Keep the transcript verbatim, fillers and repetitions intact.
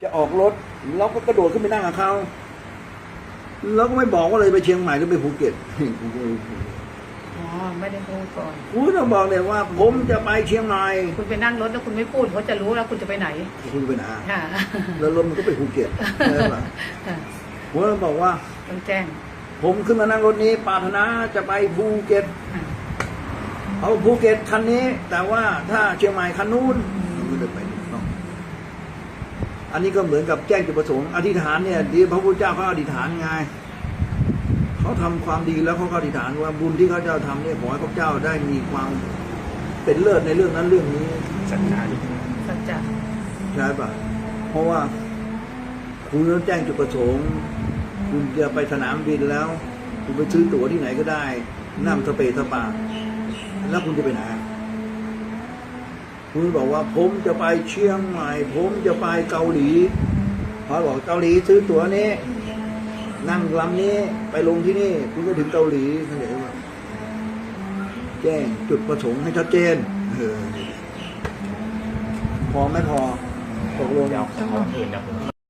จะออกรถเราก็กระโดดขึ้นไปนั่งกับเขาแล้วก็ไม่บอกว่าเลยไปเชียงใหม่หรือไปภูเก็ตอ๋อไม่ได้พูดก่อนคุณต้องบอกเลยว่า ผมจะไปเชียงใหม่คุณไปนั่งรถแล้วคุณไม่พูดเขาจะรู้แล้วคุณจะไปไหนคุณไปไหนค่ะแล้วรถมันก็ไปภูเก็ตใช่ปะค่ะผมต้องบอกว่าต้องแจ้งผมขึ้นมานั่งรถนี้ปรารถนาจะไปภูเก็ตค่ะเอาภูเก็ตคันนี้ แต่ว่าถ้าเชียงใหม่คันนู้นมันก็จะไปถูกต้องอันนี้ก็เหมือนกับแจ้งจุดประสงค์อธิษฐานเนี่ยดีพระพุทธเจ้าเขาอธิษฐานไงเขาทำความดีแล้วเขาก็อธิษฐานว่าบุญที่เขาเจ้าทำเนี่ยขอให้พระเจ้าได้มีความเป็นเลิศในเรื่องนั้นเรื่องนี้สัจจะสัจจะใช่ปะเพราะว่าคุณต้องแจ้งจุดประสงค์คุณจะไปสนามบินแล้ว คุณไปซื้อตั๋วที่ไหนก็ได้นั่งสเปซสปาแล้วคุณจะไปไหนคุณบอกว่าผมจะไปเชียงใหม่ผมจะไปเกาหลีพอบอกเกาหลีซื้อตั๋วนี้นั่งลำนี้ไปลงที่นี่คุณก็ถึงเกาหลีเข้าใจไหมแจ้งจุดประสงค์ให้ชัดเจนเออพอไม่พอตกลงเดี๋ยวของอื่นเดี๋ยวผม